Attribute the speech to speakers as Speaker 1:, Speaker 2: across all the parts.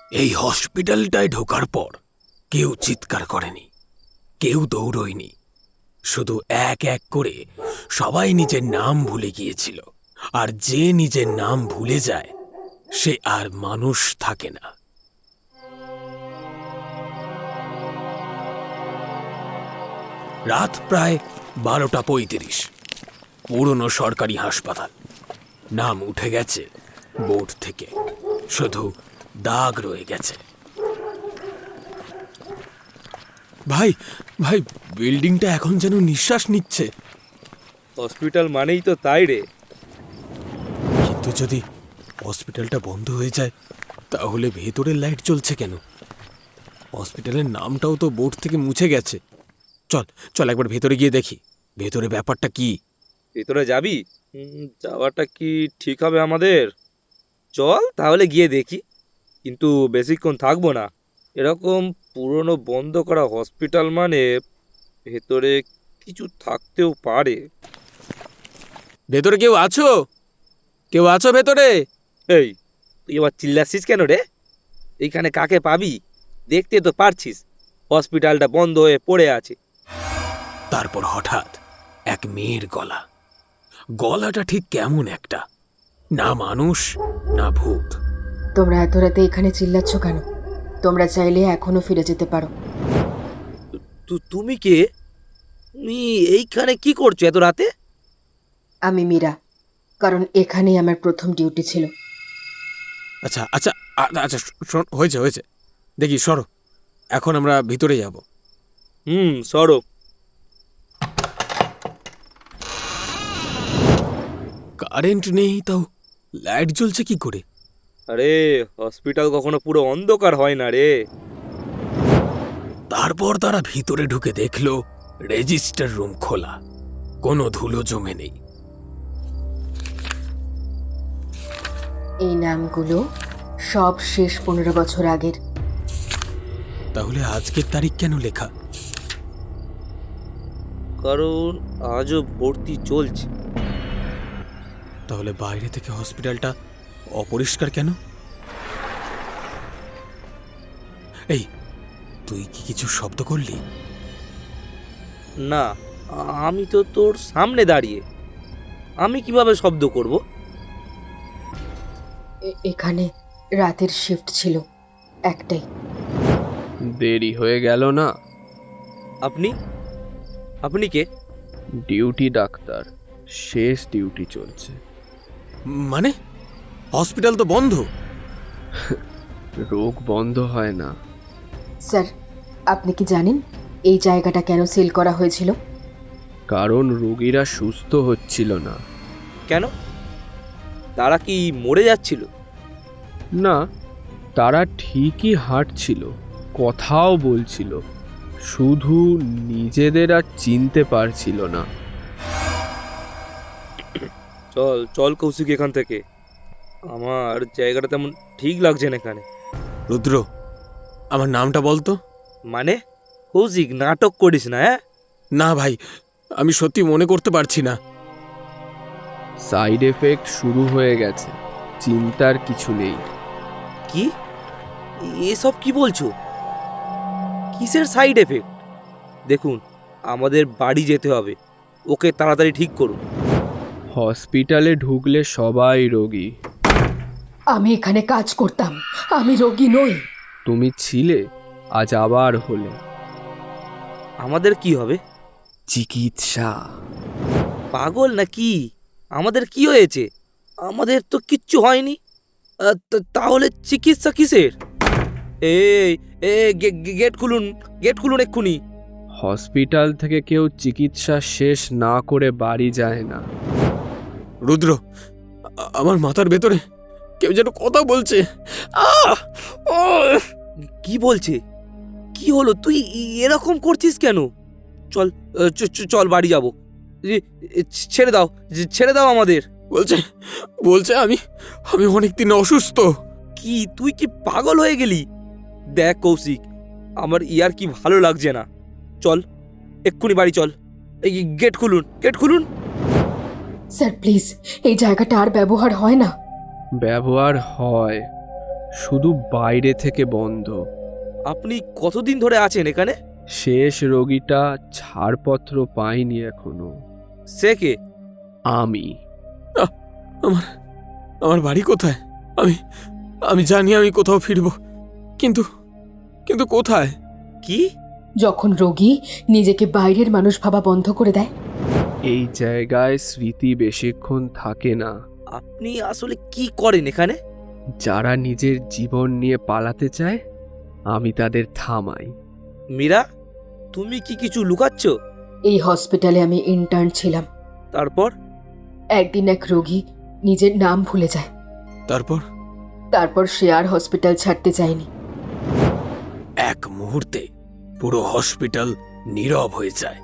Speaker 1: এই হসপিটালটায় ঢোকার পর কেউ চিৎকার করেনি, কেউ দৌড়য়নি। শুধু এক এক করে সবাই নিজের নাম ভুলে গিয়েছিল। আর যে নিজের নাম ভুলে যায় সে আর মানুষ থাকে না। রাত প্রায় 12:35। পুরনো সরকারি হাসপাতাল। নাম উঠে গেছে বোর্ড থেকে, শুধু দাগ রয়ে গেছে। ভাই ভাই, বিল্ডিংটা এখন যেন নিঃশ্বাস নিচ্ছে।
Speaker 2: হসপিটাল মানেই তো তাই রে।
Speaker 1: কিন্তু যদি হসপিটালটা বন্ধ হয়ে যায় তাহলে ভেতরের লাইট জ্বলছে কেন? হসপিটালের নামটাও তো বোর্ড থেকে মুছে গেছে। চল চল একবার ভেতরে গিয়ে দেখি ভেতরে ব্যাপারটা কি।
Speaker 2: ভেতরে যাবি? যাওয়াটা কি ঠিক হবে আমাদের? চল তাহলে গিয়ে দেখি, কিন্তু বেশিক্ষণ থাকবো না। এরকম পুরনো বন্ধ করা হসপিটাল মানে ভেতরে কিছু থাকতেও পারে।
Speaker 1: ভেতরে কেউ আছো? কেউ আছো ভেতরে?
Speaker 2: এই, তুই এবার চিল্লাচ্ছিস কেন রে? এইখানে কাকে পাবি? দেখতে তো পারছিস হসপিটালটা বন্ধ হয়ে পড়ে আছে।
Speaker 1: তারপর হঠাৎ এক মেয়ের গলা। গলাটা ঠিক কেমন একটা, না মানুষ না ভূত।
Speaker 3: তোমরা এত রাতে এখানে চিল্লাচ্ছ কেন? তোমরা চাইলে এখনো ফিরে যেতে পারো।
Speaker 2: তুমি কে? তুমি এইখানে কি করছো এত রাতে?
Speaker 3: আমি মীরা, কারণ এখানেই আমার প্রথম ডিউটি ছিল।
Speaker 1: আচ্ছা আচ্ছা আচ্ছা, হয়েছে হয়েছে, দেখি সরো, এখন আমরা ভিতরে যাব।
Speaker 2: সরো।
Speaker 1: কারেন্ট নেই, তাও লাইট জ্বলছে কি করে?
Speaker 2: আরে হসপিটাল কখনো পুরো অন্ধকার হয় না রে।
Speaker 1: তারপর তারা ভিতরে ঢুকে দেখলো রেজিস্টার রুম খোলা, কোনো ধুলো জমে নেই।
Speaker 3: এই নামগুলো সব শেষ 15 বছর আগের।
Speaker 1: তাহলে আজকের তারিখ কেন লেখা?
Speaker 2: কারণ আজও ভর্তি চলছে।
Speaker 1: তাহলে বাইরে থেকে হসপিটালটা অপরিষ্কার কেন? এই, তুই কি কিছু শব্দ করলি?
Speaker 2: না, আমি তো তোর সামনে দাঁড়িয়ে, আমি কিভাবে শব্দ করব?
Speaker 3: এখানে রাতের শিফট ছিল একটাই।
Speaker 4: দেরি হয়ে গেল না?
Speaker 2: আপনি আপনি কে?
Speaker 4: ডিউটি ডাক্তার, শেষ ডিউটি চলছে।
Speaker 1: মানে হসপিটাল তো বন্ধ।
Speaker 4: রোগ বন্ধ হয় না।
Speaker 3: স্যার, আপনি কি জানেন এই জায়গাটা কেন সিল করা হয়েছিল?
Speaker 4: কারণ রোগীরা সুস্থ হচ্ছিল না।
Speaker 2: কেন? তারা কি মরে যাচ্ছিল?
Speaker 4: না, তারা ঠিকই হাঁটছিল, কথাও বলছিল, শুধু নিজেদের আর চিনতে পারছিল না।
Speaker 2: চল চল কৌশিক, এখান থেকে। আমার জায়গাটা তেমন ঠিক লাগছে না এখানে।
Speaker 1: রুদ্র, আমার নামটা বলতো।
Speaker 2: মানে কৌশিক, নাটক করিস না। হ্যাঁ,
Speaker 1: না ভাই, আমি সত্যি মনে করতে পারছি না।
Speaker 4: সাইড এফেক্ট শুরু হয়ে গেছে, চিন্তার কিছু নেই।
Speaker 2: কি এসব কি বলছো? কিসের সাইড এফেক্ট? দেখুন, আমাদের বাড়ি যেতে হবে, ওকে তাড়াতাড়ি ঠিক করুন।
Speaker 4: হসপিটালে ঢুকলে সবাই রোগী।
Speaker 3: আমি এখানে কাজ করতাম, আমি রোগী নই।
Speaker 4: তুমি ছিলে, আজ আবার হলে।
Speaker 2: আমাদের কি হবে?
Speaker 4: চিকিৎসা।
Speaker 2: পাগল নাকি? আমাদের কি হয়েছে? আমাদের তো কিচ্ছু হয়নি। তাহলে চিকিৎসা কিসের? এই গেট খুলুন, গেট খুলুন এক্ষুনি।
Speaker 4: হসপিটাল থেকে কেউ চিকিৎসা শেষ না করে বাড়ি যায় না।
Speaker 1: রুদ্র, আমার মাথার ভেতরে কেউ যেন কথা বলছে। আহ!
Speaker 2: কি বলছে? কি হলো? তুই এরকম করছিস কেন? চল চল বাড়ি যাব। ছেড়ে দাও, ছেড়ে দাও আমাদের।
Speaker 1: বলছে বলছে আমি আমি অনেকদিন অসুস্থ।
Speaker 2: কি তুই কি পাগল হয়ে গেলি? দেখ কৌশিক, আমার ইয়ার কি ভালো লাগছে না। চল এক্ষুনি বাড়ি চল। এই গেট খুলুন, গেট খুলুন।
Speaker 3: স্যার প্লিজ, এই জায়গাটা আর ব্যবহার হয় না।
Speaker 4: ব্যবহার হয়, শুধু বাইরে থেকে বন্ধ।
Speaker 2: আপনি কতদিন ধরে আছেন এখানে?
Speaker 4: শেষ রোগীটা ছাড়পত্র পায়নি এখনো।
Speaker 2: সে কে?
Speaker 4: আমি।
Speaker 1: আমার আমার বাড়ি কোথায়? আমি আমি জানি আমি কোথাও ফিরব, কিন্তু কিন্তু কোথায়?
Speaker 2: কি?
Speaker 3: যখন রোগী নিজেকে বাইরের মানুষ ভাবা বন্ধ করে দেয়,
Speaker 4: এই জায়গায় স্মৃতি বেশিক্ষণ থাকে না।
Speaker 2: আপনি আসলে কি করেন এখানে?
Speaker 4: যারা নিজের জীবন নিয়ে পালাতে চায়, আমি তাদের থামাই।
Speaker 2: মীরা, তুমি কি কিছু লুকাচ্ছ?
Speaker 3: এই হসপিটালে আমি ইন্টার্ন ছিলাম।
Speaker 2: তারপর?
Speaker 3: একদিন এক রোগী নিজের নাম ভুলে যায়। তারপর সে আর হসপিটাল ছাড়তে চায়নি।
Speaker 1: এক মুহূর্তে পুরো হসপিটাল নীরব হয়ে যায়।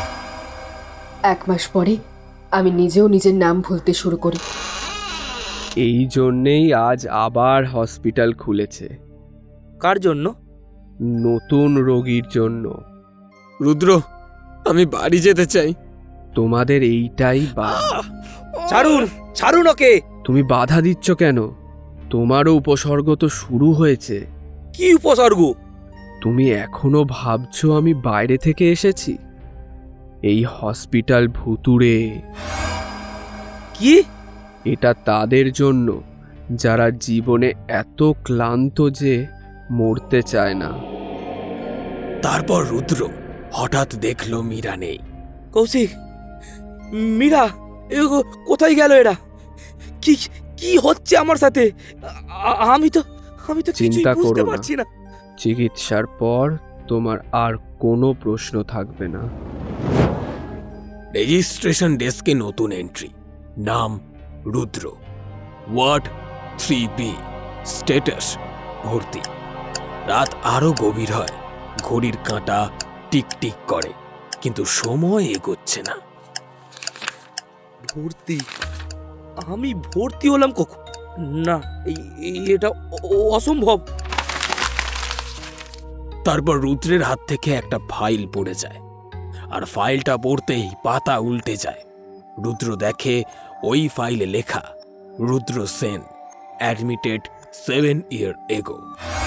Speaker 3: 1 মাস পরে আমি নিজেও নিজের নাম ভুলতে শুরু করি।
Speaker 4: এই জন্যেই আজ আবার হসপিটাল খুলেছে,
Speaker 2: কার জন্য?
Speaker 4: নতুন রোগীর জন্য।
Speaker 1: রুদ্র, আমি বাড়ি যেতে চাই।
Speaker 4: তোমাদের এইটাই
Speaker 2: ছাড়ুন, ছাড়ুন ওকে!
Speaker 4: তুমি বাধা দিচ্ছ কেন? তোমারও উপসর্গ তো শুরু হয়েছে।
Speaker 2: কি উপসর্গ?
Speaker 4: তুমি এখনো ভাবছো আমি বাইরে থেকে এসেছি? এই হসপিটাল ভুতুড়ে।
Speaker 2: কি?
Speaker 4: এটা তাদের জন্য যারা জীবনে এত ক্লান্ত যে মরতে চায় না।
Speaker 1: তারপর রুদ্র হঠাৎ দেখলো মীরা নেই।
Speaker 2: কৌশিক, মীরা, কোথায় গেল এরা? কি কি হচ্ছে আমার সাথে? আমি তো কিছুই
Speaker 4: চিন্তা
Speaker 2: বুঝতে
Speaker 4: করো না।
Speaker 2: পারছি না।
Speaker 4: চিকিৎসার পর তোমার আর কোনো প্রশ্ন থাকবে না।
Speaker 1: রেজিস্ট্রেশন ডেস্কে নতুন এন্ট্রি, নাম রুদ্র, ওয়ার্ড 3B, স্ট্যাটাস ভর্তি। রাত আরো গভীর হয়, ঘড়ির কাঁটা টিকটিক করে, কিন্তু সময় এগোচ্ছে না।
Speaker 2: ভর্তি? আমি ভর্তি হলাম কখন? না, এটা অসম্ভব।
Speaker 1: তারপর রুদ্রের হাত থেকে একটা ফাইল পড়ে যায়, আর ফাইলটা পড়তেই পাতা উল্টে যায়। রুদ্র দেখে ওই ফাইলে লেখা, Rudra Sen, admitted 7 years ago।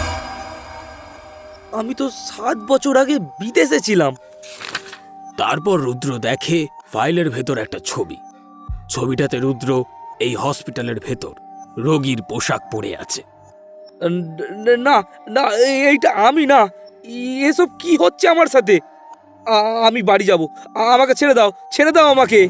Speaker 2: আমি তো 7 বছর আগে বিদেশে ছিলাম।
Speaker 1: তারপর রুদ্র দেখে ফাইলের ভেতর একটা ছবি। ছবিটাতে রুদ্র এই হসপিটালের ভেতর রোগীর পোশাক পরে আছে।
Speaker 2: না না, এইটা আমি না। এসব কি হচ্ছে আমার সাথে? আমি বাড়ি যাব। আমাকে ছেড়ে দাও, ছেড়ে দাও আমাকে।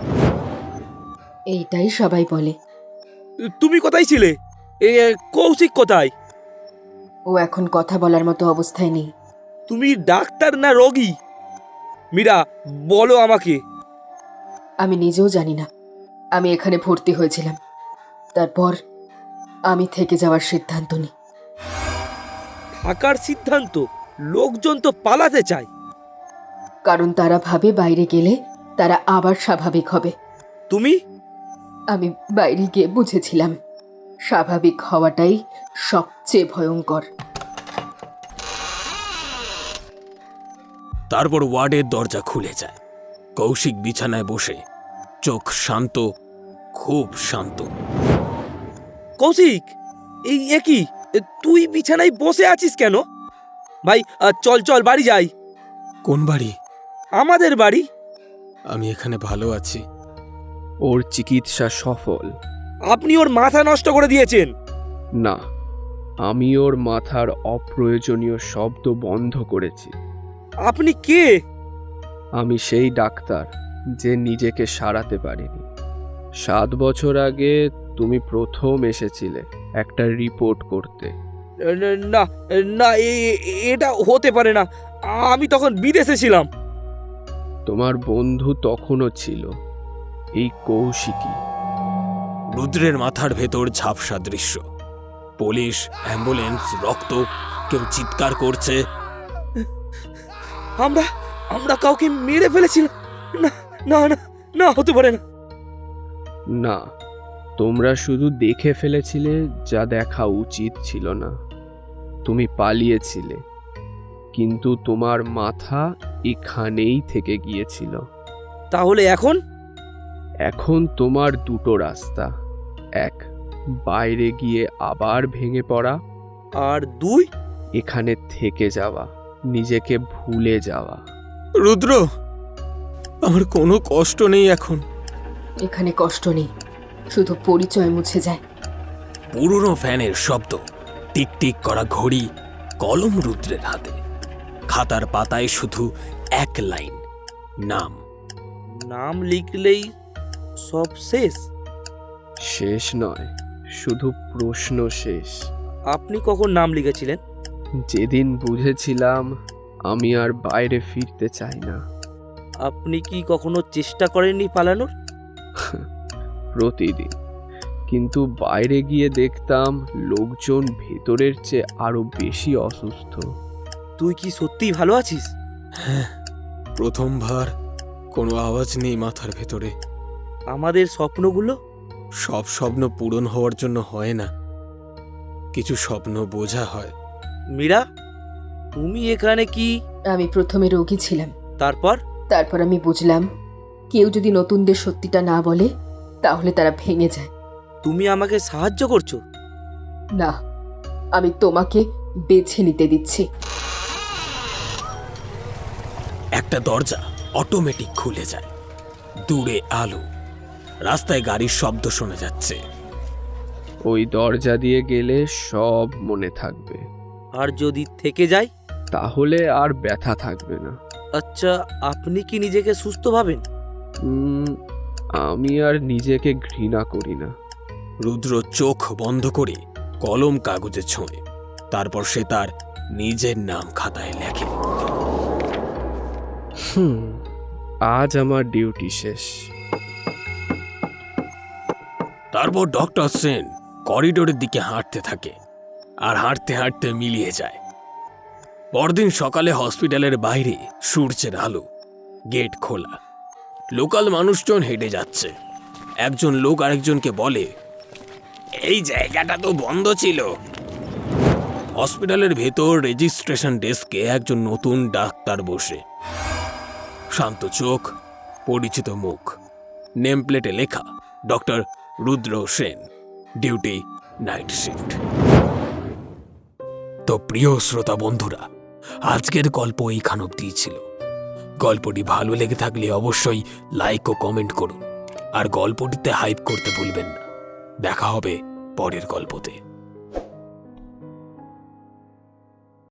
Speaker 3: এইটাই সবাই বলে।
Speaker 2: তুমি কোথায় ছিলে? কৌশিক কোথায়?
Speaker 3: ও এখন কথা বলার মতো অবস্থায় নেই।
Speaker 2: তুমি ডাক্তার না রোগী? মীরা, বলো আমাকে।
Speaker 3: আমি নিজেও জানি না। আমি এখানে ভর্তি হয়েছিলাম, তারপর আমি থেকে যাওয়ার সিদ্ধান্ত নিই।
Speaker 2: থাকার সিদ্ধান্ত? লোকজন তো পালাতে চায়।
Speaker 3: কারণ তারা ভাবে বাইরে গেলে তারা আবার স্বাভাবিক হবে।
Speaker 2: তুমি?
Speaker 3: আমি বাইরে গিয়ে বুঝেছিলাম স্বাভাবিক হওয়াটাই সবচেয়ে ভয়ঙ্কর।
Speaker 1: তারপর ওয়ার্ডের দরজা খুলে যায়। কৌশিক বিছানায় বসে, চোখ শান্ত, খুব শান্ত।
Speaker 2: কৌশিক, কি তুই বিছানায় বসে আছিস কেন? ভাই, চল চল বাড়ি যাই।
Speaker 1: কোন বাড়ি?
Speaker 2: আমাদের বাড়ি।
Speaker 1: আমি এখানে ভালো আছি।
Speaker 4: ওর চিকিৎসা সফল।
Speaker 2: আপনি ওর মাথা নষ্ট করে দিয়েছেন।
Speaker 4: না, আমি ওর মাথার অপ্রয়োজনীয় শব্দ বন্ধ করেছি।
Speaker 2: আপনি কে?
Speaker 4: আমি সেই ডাক্তার যে নিজেকে সারাতে পারিনি। 7 বছর আগে তুমি প্রথম এসেছিলে একটা রিপোর্ট করতে।
Speaker 2: না না, এটা হতে পারে না। আমি তখন বিদেশে ছিলাম।
Speaker 4: তোমার বন্ধু তখনও ছিল, এই কৌশিকী।
Speaker 1: রুদ্রের মাথার ভেতর ঝাপসা দৃশ্য, পুলিশ, অ্যাম্বুলেন্স, রক্ত, কেউ চিৎকার করছে।
Speaker 2: আমরা কাউকে মেরে ফেলেছিলাম। না না না না, হতে পারে না।
Speaker 4: না, তোমরা শুধু দেখে ফেলেছিলে যা দেখা উচিত ছিল না। তুমি পালিয়েছিলে, কিন্তু তোমার মাথা এখানেই থেকে গিয়েছিল।
Speaker 2: তাহলে এখন?
Speaker 4: এখন তোমার দুটো রাস্তা। এক, বাইরে গিয়ে আবার ভেঙে পড়া,
Speaker 2: আর 2?
Speaker 4: এখানে থেকে যাওয়া, নিজেকে ভুলে যাওয়া।
Speaker 1: রুদ্র, আমার কোনো কষ্ট নেই এখন।
Speaker 3: এখানে কষ্ট নেই, শুধু পরিচয় মুছে যায়।
Speaker 1: পুরনো ফ্যানের শব্দ, টিকটিক করা ঘড়ি, কলম রুদ্রের হাতে। খাতার পাতায় শুধু এক লাইন, নাম।
Speaker 2: নাম লিখলেই সব শেষ?
Speaker 4: শেষ নয়, শুধু প্রশ্ন শেষ।
Speaker 2: আপনি কখন নাম লিখেছিলেন?
Speaker 4: যেদিন বুঝেছিলাম আমি আর বাইরে ফিরতে চাই না।
Speaker 2: আপনি কি কখনো চেষ্টা করেননি পালানোর?
Speaker 4: প্রতিদিন, কিন্তু বাইরে গিয়ে দেখতাম লোকজন ভেতরের চেয়ে আরো বেশি অসুস্থ।
Speaker 2: তুই কি সত্যিই ভালো আছিস?
Speaker 1: হ্যাঁ, প্রথমবার কোনো আওয়াজ নেই মাথার ভেতরে।
Speaker 2: আমাদের স্বপ্নগুলো?
Speaker 1: সব স্বপ্ন পূরণ হওয়ার জন্য হয় না, কিছু স্বপ্ন বোঝা হয়।
Speaker 2: মীরা, তুমি এখানে কি?
Speaker 3: আমি প্রথমে রোগী ছিলাম,
Speaker 2: তারপর
Speaker 3: আমি বুঝলাম কেউ যদি নতুনদের সত্যিটা না বলে তাহলে তারা ভেঙে যায়।
Speaker 2: তুমি আমাকে সাহায্য করছো?
Speaker 3: না, আমি তোমাকে বেছে নিতে দিচ্ছি।
Speaker 1: একটা দরজা অটোমেটিক খুলে যায়। দূরে আলো, রাস্তায় গাড়ির শব্দ শোনা যাচ্ছে।
Speaker 4: ওই দরজা দিয়ে গেলে সব মনে থাকবে।
Speaker 2: আর যদি থেকে যাই?
Speaker 4: তাহলে আর ব্যথা থাকবে না।
Speaker 2: আচ্ছা, আপনি কি নিজেকে সুস্থ ভাবেন?
Speaker 4: আমি আর নিজেকে ঘৃণা করি না।
Speaker 1: রুদ্র চোখ বন্ধ করে কলম কাগজে ছোঁয়, তারপর সে তার নিজের নাম খাতায় লেখে।
Speaker 4: আজ আমার ডিউটি শেষ।
Speaker 1: তারপর ডক্টর সেন করিডোরের দিকে হাঁটতে থাকে, আর হাঁটতে হাঁটতে মিলিয়ে যায়। পরদিন সকালে হসপিটালের বাইরে সূর্যের আলো, গেট খোলা, লোকাল মানুষজন হেঁটে যাচ্ছে। একজন লোক আরেকজনকে বলে, এই জায়গাটা তো বন্ধ ছিল। হসপিটালের ভেতর রেজিস্ট্রেশন ডেস্কে একজন নতুন ডাক্তার বসে, শান্ত চোখ, পরিচিত মুখ, নেম প্লেটে লেখা doctor Rudra Sen, duty night shift. তো প্রিয় শ্রোতা বন্ধুরা, আজকের গল্প এইখান অব্দি ছিল। গল্পটি ভালো লেগে থাকলে অবশ্যই লাইক ও কমেন্ট করুন, আর গল্পটিতে হাইপ করতে ভুলবেন না। দেখা হবে পরের গল্পতে।